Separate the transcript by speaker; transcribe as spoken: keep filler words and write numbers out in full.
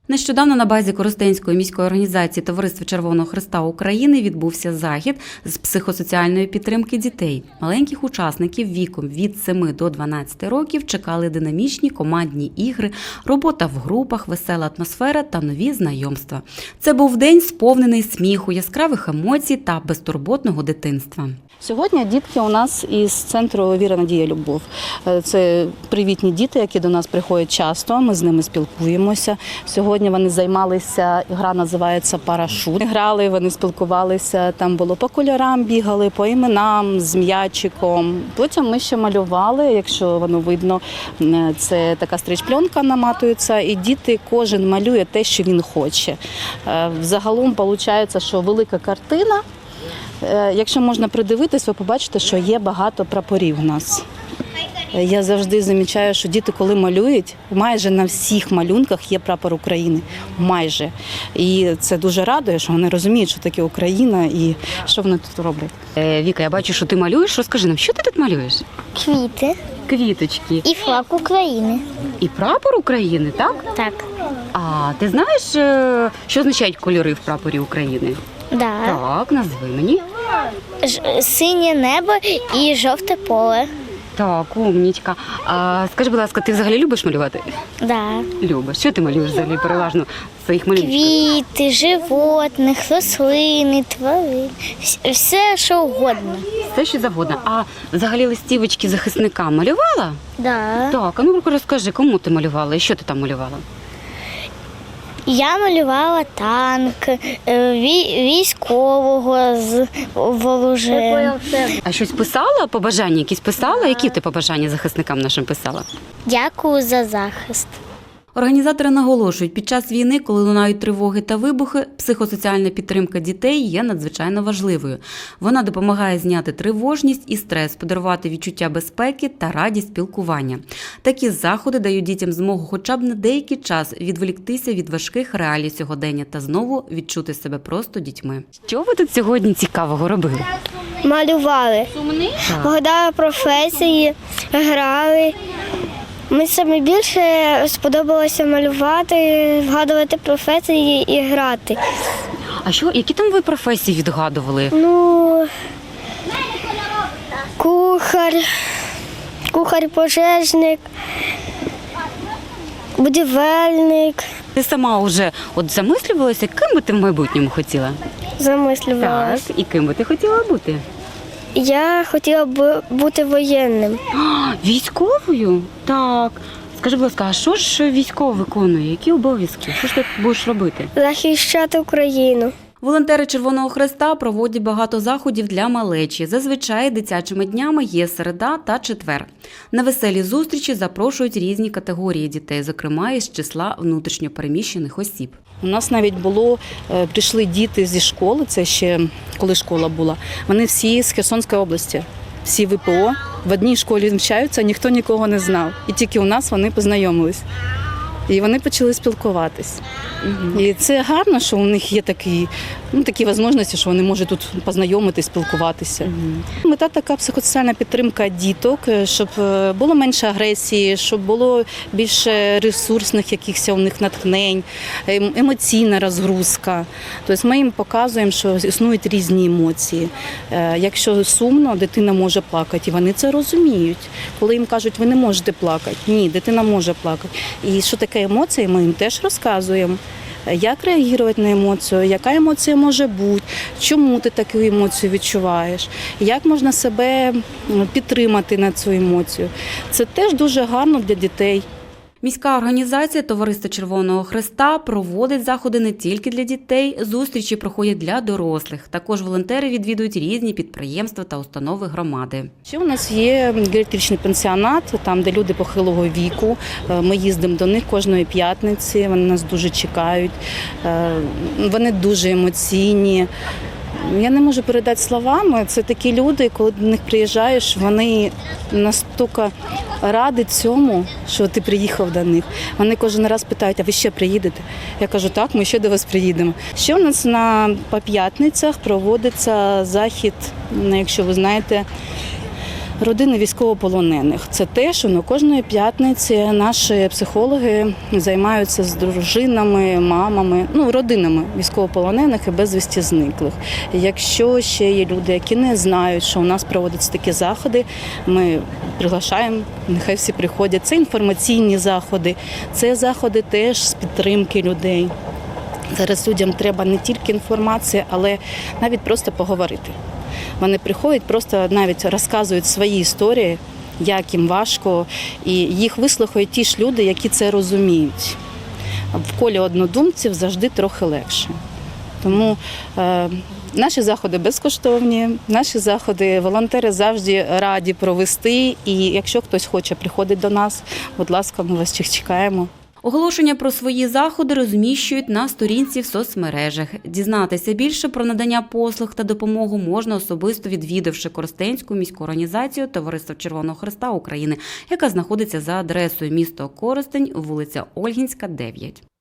Speaker 1: Нещодавно на базі Коростенської міської організації Товариства Червоного Хреста України відбувся захід з психосоціальної підтримки дітей. Маленьких учасників віком від семи до дванадцяти років чекали динамічні командні ігри, робота в групах, весела атмосфера та нові знайомства. Це був день сповнений сміху, яскравих емоцій та безтурботного дитинства.
Speaker 2: Сьогодні дітки у нас із центру «Віра, Надія, Любов». Це привітні діти, які до нас приходять часто, ми з ними спілкуємося. Сьогодні вони займалися, гра називається «Парашут». Грали, вони спілкувалися, там було по кольорам, бігали, по іменам, з м'ячиком. Потім ми ще малювали, якщо воно видно, це така стріч-пленка наматується, і діти, кожен малює те, що він хоче. Загалом виходить, що велика картина. Якщо можна придивитись, ви побачите, що є багато прапорів у нас. Я завжди замічаю, що діти, коли малюють, майже на всіх малюнках є прапор України. Майже. І це дуже радує, що вони розуміють, що таке Україна і що вони тут роблять.
Speaker 1: Е, Віка, я бачу, що ти малюєш. Розкажи нам, що ти тут малюєш?
Speaker 3: Квіти
Speaker 1: Квіточки.
Speaker 3: і флаг України.
Speaker 1: І прапор України, так?
Speaker 3: Так.
Speaker 1: А ти знаєш, що означають кольори в прапорі України?
Speaker 3: Да.
Speaker 1: Так, назви мені.
Speaker 3: Ж- синє небо і жовте поле.
Speaker 1: Так, умнічка. А скажи, будь ласка, ти взагалі любиш малювати?
Speaker 3: Да.
Speaker 1: Любиш. Що ти малюєш взагалі переважно в своїх малюнках?
Speaker 3: Квіти, животних, рослини, тварин. Вс- Все, що угодно.
Speaker 1: Все, що завгодно. А взагалі листівочки захисникам малювала?
Speaker 3: Да.
Speaker 1: Так, а ну розкажи, кому ти малювала і що ти там малювала?
Speaker 3: Я малювала танк, е, вій- військового з вооружем.
Speaker 1: А щось писала, побажання якісь писала? Які ти побажання захисникам нашим писала?
Speaker 3: Дякую за захист.
Speaker 1: Організатори наголошують, під час війни, коли лунають тривоги та вибухи, психосоціальна підтримка дітей є надзвичайно важливою. Вона допомагає зняти тривожність і стрес, подарувати відчуття безпеки та радість спілкування. Такі заходи дають дітям змогу хоча б на деякий час відволіктися від важких реалій сьогодення та знову відчути себе просто дітьми. Що ви тут сьогодні цікавого робили?
Speaker 3: Малювали. Вгадали професії, грали. Мені саме більше сподобалося малювати, вгадувати професії і грати.
Speaker 1: А що, які там ви професії відгадували?
Speaker 3: Ну, кухар, кухар-пожежник, будівельник.
Speaker 1: Ти сама вже от замислювалася, ким би ти в майбутньому хотіла?
Speaker 3: Замислювалася.
Speaker 1: І ким би ти хотіла бути?
Speaker 3: Я хотіла б бути воєнним.
Speaker 1: А, військовою? Так. Скажи, будь ласка, а що ж військово виконує? Які обов'язки? Що ж ти будеш робити?
Speaker 3: Захищати Україну.
Speaker 1: Волонтери Червоного Хреста проводять багато заходів для малечі. Зазвичай дитячими днями є середа та четвер. На веселі зустрічі запрошують різні категорії дітей, зокрема із числа внутрішньопереміщених осіб.
Speaker 2: У нас навіть було, е, прийшли діти зі школи, це ще коли школа була, вони всі з Херсонської області, всі ВПО, в одній школі навчаються, ніхто нікого не знав. І тільки у нас вони познайомились. І вони почали спілкуватись. Угу. І це гарно, що у них є такі, ну, такі можливості, що вони можуть тут познайомитись, спілкуватися. Угу. Мета така психосоціальна підтримка діток, щоб було менше агресії, щоб було більше ресурсних якихось у них натхнень, емоційна розгрузка. Тобто ми їм показуємо, що існують різні емоції. Якщо сумно, дитина може плакати, і вони це розуміють. Коли їм кажуть, ви не можете плакати, ні, дитина може плакати. І що таке емоції, ми їм теж розказуємо. Як реагувати на емоцію, яка емоція може бути, чому ти таку емоцію відчуваєш, як можна себе підтримати на цю емоцію. Це теж дуже гарно для дітей.
Speaker 1: Міська організація Товариства Червоного Хреста проводить заходи не тільки для дітей, зустрічі проходять для дорослих. Також волонтери відвідують різні підприємства та установи громади.
Speaker 2: Ще у нас є геріатричний пансіонат, там, де люди похилого віку. Ми їздимо до них кожної п'ятниці, вони нас дуже чекають, вони дуже емоційні. Я не можу передати словами, це такі люди, коли до них приїжджаєш, вони настільки раді цьому, що ти приїхав до них. Вони кожен раз питають, а ви ще приїдете? Я кажу, так, ми ще до вас приїдемо. Ще у нас на, по п'ятницях проводиться захід, якщо ви знаєте, Родини військовополонених – це те, що на кожної п'ятниці наші психологи займаються з дружинами, мамами, ну, родинами військовополонених і безвісті зниклих. Якщо ще є люди, які не знають, що у нас проводяться такі заходи, ми приглашаємо, нехай всі приходять. Це інформаційні заходи, це заходи теж з підтримки людей. Зараз людям треба не тільки інформація, але навіть просто поговорити. Вони приходять, просто навіть розказують свої історії, як їм важко, і їх вислухають ті ж люди, які це розуміють. В колі однодумців завжди трохи легше. Тому е, наші заходи безкоштовні, наші заходи волонтери завжди раді провести, і якщо хтось хоче приходити до нас, будь ласка, ми вас чекаємо.
Speaker 1: Оголошення про свої заходи розміщують на сторінці в соцмережах. Дізнатися більше про надання послуг та допомогу можна особисто відвідавши Коростенську міську організацію Товариства Червоного Хреста України, яка знаходиться за адресою місто Коростень, вулиця Ольгінська, дев'ять.